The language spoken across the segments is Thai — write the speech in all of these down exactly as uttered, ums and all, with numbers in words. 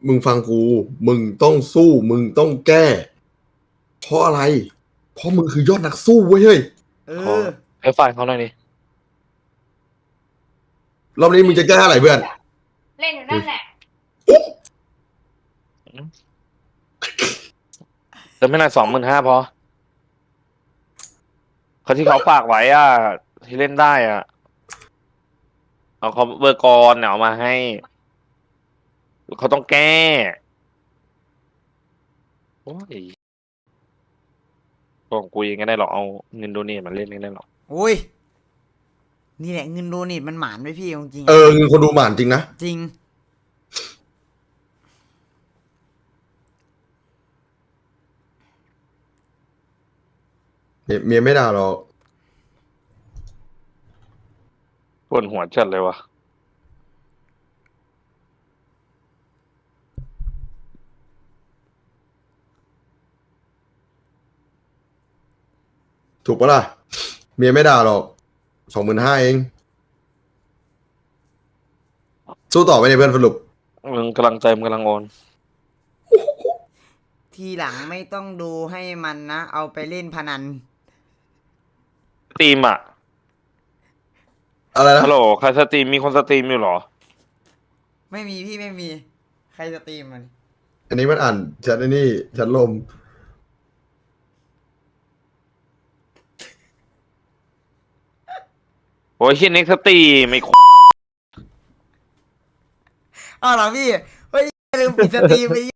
มึงฟังกู มึงต้องสู้ มึงต้องแก้ เพราะอะไร เพราะมึงคือยอดนักสู้เว้ยเฮ้ยเอขออให้ฟังเขาหน่อยดิรอบนี้มึงจะแก้อะไรเพื่อนเล่นอยู่นั่นแหละแต่ไม่น่าสองหมื่นห้าพอเขาที่เขาฝากไว้อ่ะ ที่เล่นได้อ่ะ เอาเขาเบอร์กรเนี่ยเอามาให้ เขาต้องแก้โอ้ยบอกกูยังไงได้หรอกเอาเงินโดเนทมาเล่นไม่ได้หรอกโอ้ย นี่แหละเงินโดเนทมันหมานไว้พี่จริงๆเออเงินคนดูหมานจริงนะจริงเมียเมียไม่ด่าหรอกปวดหัวจัดเลยวะถูกปะล่ะ เมียไม่ด่าหรอก สองหมื่นห้าเอง สู้ต่อไปในยเพื่อนสรุปมึงกำลังใจมึงกำลังโอนทีหลังไม่ต้องดูให้มันนะ เอาไปเล่นพนันสตรีมอ่ะอะไรนะฮัลโหลใครสตรีมมีคนสตรีมอยู่เหรอไม่มีพี่ไม่มี ใครสตรีมมันอันนี้มันอ่านแชทไอ้นี่แชทลมโอ้ยเฮียเน็กสตรีมไม่อ้าวเหรอพี่ เฮ้ยลืมปิดสตรีมไป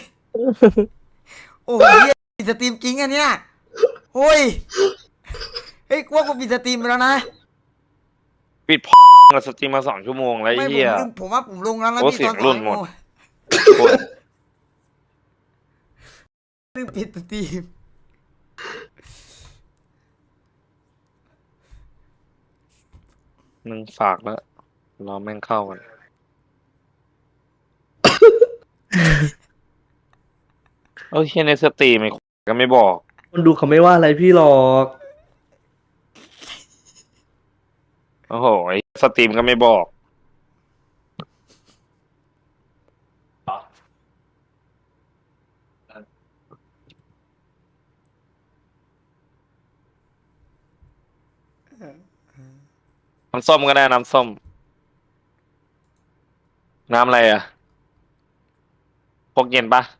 โอ้โหเหี้ยปิดสตรีมจริงอันเนี้ยโอ้ย เฮ้ยกลัวกูปิดสตรีมไปแล้วนะปิด มาสตรีมมาสองชั่วโมงแล้วไอ้ไม่ผมเหี้ยลืมผมว่าผมลงแล้วนะโอ้พี่เสีตยอง นรุ่สอน งหมดโอ้ลืมปิดสตรีมมึงฝากแล้วรอแม่งเข้ากัน เอ้ยเฮียในสตรีมไม่ก็ไม่บอกคนดูเขาไม่ว่าอะไรพี่หรอกโอ้โหไอ้สตรีมก็ไม่บอก น้ำส้มก็ได้น้ำส้ม น้ำอะไรอ่ะพกเย็นปะ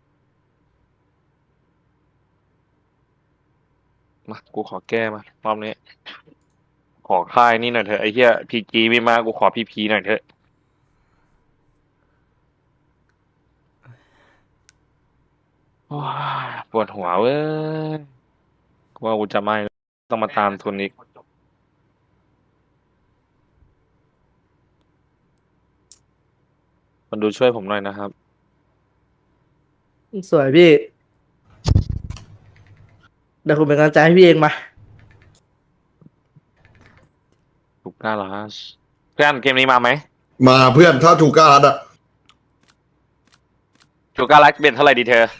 มากูขอแก้มารอบนี้ ขอค่ายนี่หน่อยเถอะไอ้เหี้ยพีจีไม่มากูขอพีพีหน่อยเถอะโอ้ยปวดหัวเว้ยกูว่ากูจะไม่ต้องมาตามทุนอีกคนดูช่วยผมหน่อยนะครับสวยพี่เดี๋ยวผมเป็นกำลังใจให้พี่เองมาถูกกล้าเหรอฮะเพื่อนเกมนี้มาไหมมาเพื่อนถ้าถูกกล้ารัดอะถูกกล้ารักเบ็ดเท่าไหร่ดีเธอ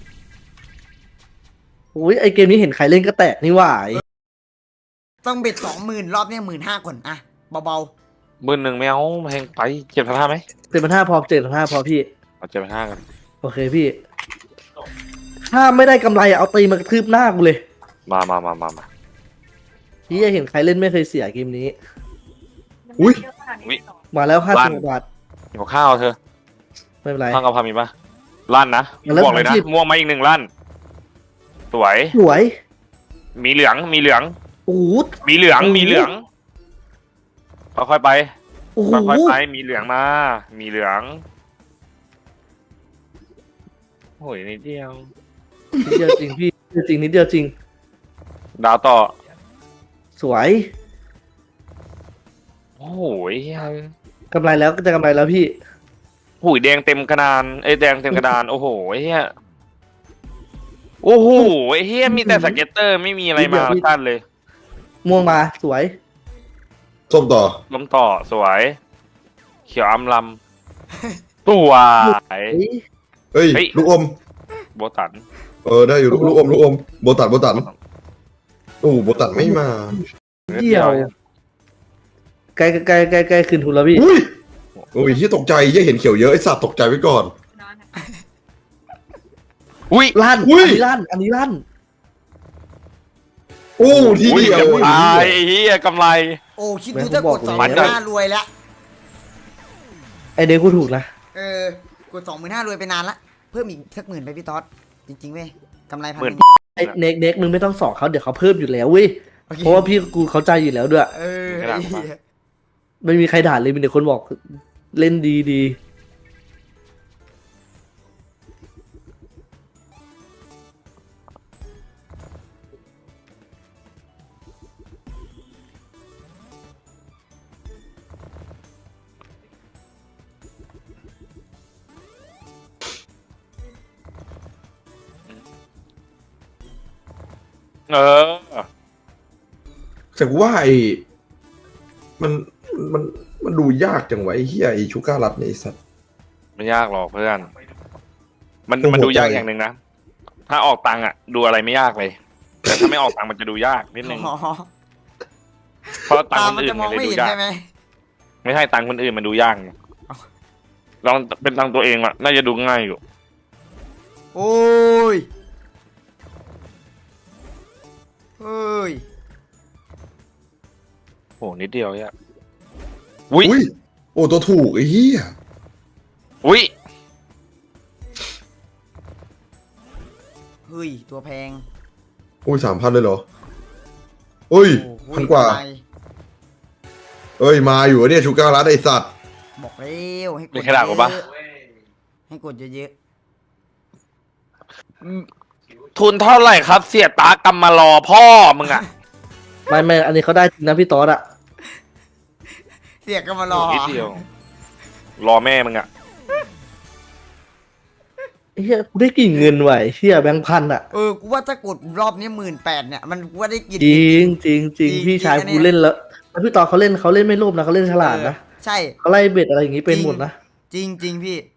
อุ้ยไอเกมนี้เห็นใครเล่นก็แตกนี่หว่าไอ้ต้องเบ็ดสองหมื่นรอบเนี้ยหมื่นห้าก่อนอะเบาหมื่นหนึ่งไม่เอาแพงไปเจ็ดพันห้าไหมเจ็ดพันห้าพอเจ็ดพันห้าพอพี่เอาเจ็ดพันห้ากันโอเคพี่ ถ้าไม่ได้กำไรอะเอาตีมากระทืบหน้ากูเลยมามามามามาพี่จะเห็นใครเล่นไม่เคยเสียเกมนี้อุ้ยมาแล้วห้าสิบบาทขอข้าวเธอไม่เป็นไรข้าวกะเพรามีปะลั่นนะแล้วบอกเลยนะสามสิบม่วงมาอีกหนึ่งลั่น สวยสวยมีเหลืองมีเหลืองโอ้โหมีเหลืองมีเหลืองค่อยๆไปโอ้โหค่อยๆไปมีเหลืองมา มีเหลืองโอ้ยนิดเดียวนิดเดียวจริงพี่นิดเดียวจริงนิดเดียวจริงดาวต่อสวยโอ้โหเหี้ยกำไรแล้วก็จะกำไรแล้วพี่หูยแดงเต็มกระดานเอ้ยแดงเต็มกระดาน โอ้โหเฮียโอ้โหเฮียมีแต่สเก็ตเตอร์ไม่มีอะไรมาตั้นเลยม่วงมาสวยส้มต่อล้มต่อสวย เขียวอำลำสวยเฮ้ยเฮ้ยเฮ้ยลูกอมโบตันเออได้อยู่ลูกลูกอมลูกอมโบตันโบตันโอ้โบตันไม่มาเดียวใกล้ใกล้ใกล้ใกล้คืนทุนแล้วพี่อุ้ยโอ้ยที่ตกใจยี่เห็นเขียวเยอะไอ้สัตว์ตกใจไว้ก่อนนอนอุ้ยลั่นอุ้ยอันนี้ลั่นอันนี้ลั่นโอ้ทีเดียวตายไอ้เหี้ยกำไรโอ้คิดดูถ้ากดสองหมันมื่นก็ห้ารวยแล้วไอเด็กกูถูกนะเออกดสองหมื่นห้ารวยไปนานละเพิ่มอีกสักหมื่นไปพี่ต๊อดจริงๆเว้ยกำไรพันหมื่นไอเน็กเน็กมึงไม่ต้องสอนเขาเดี๋ยวเขาเพิ่มอยู่แล้วเว้ยโอเคเพราะว่าพี่กูเข้าใจอยู่แล้วด้วยเออไม่ได้หรอกปะไม่มีใครด่าเลยมีแต่คนบอกเล่นดีดีเออแต่กูว่าไอ้มันมันมันดูยากจังวะไอ้เฮียไอ้ชูการัตเนี่ยไอ้สัตว์ไม่ยากหรอกเพื่อน มันโอ้โหมันดูยากใจอย่างหนึ่งนะ ถ้าออกตังค์อ่ะ ดูอะไรไม่ยากเลย แต่ถ้าไม่ออกตังค์มันจะดูยากนิดนึงอ๋อเพราะตังตาค์มคนมันอื่จะนมมัอน งเลยไม่ดูเห็นยากใช่ไหมไม่ใช่ตังค์คนอื่นมันดูยากไงลองเป็นตังค์ตัวเองอ่ะน่าจะดูง่ายอยู่โอ้ยเฮ้ยโหนิดเดียวเนี่ยอุ้ยอุ้ยโอ้ตัวถูกไอ้เฮียอุ้ยเฮ้ยตัวแพงโอ้ยสามพันเลยเหรอโอ้ยโอ้โหพันกว่าำไรเอ้ยมาอยู่อะเนี่ยชูการัตไอ้สัตว์บอกเร็วให้กมีดใครด่ากูปะเยอะๆให้กดเยอะทุนเท่าไหร่ครับ เสียตากำมารอพ่อมึงอ่ะๆไม่ไม่อันนี้เขาได้จริงนะพี่ต๊อดอะๆเสียก็มารอนิดเดียว รอแม่มึงอ่ะเฮียกูได้กลิ่นเงินไหวเฮียแบงค์พันอะเออกูว่าถ้ากดรอบนี้หมื่นแปดเนี่ยมันกูว่าได้กินจริงจริงจริงจริงพี่ชายจริงอันเนี้กูยเล่นแล้วแล้วพี่ต๊อดเขาเล่นเขาเล่นไม่โลภนะเขาเล่นฉลาดนะใช่เขาไล่เบ็ดอะไรอย่างงี้เป็นหมดนะจริงจริงๆพี่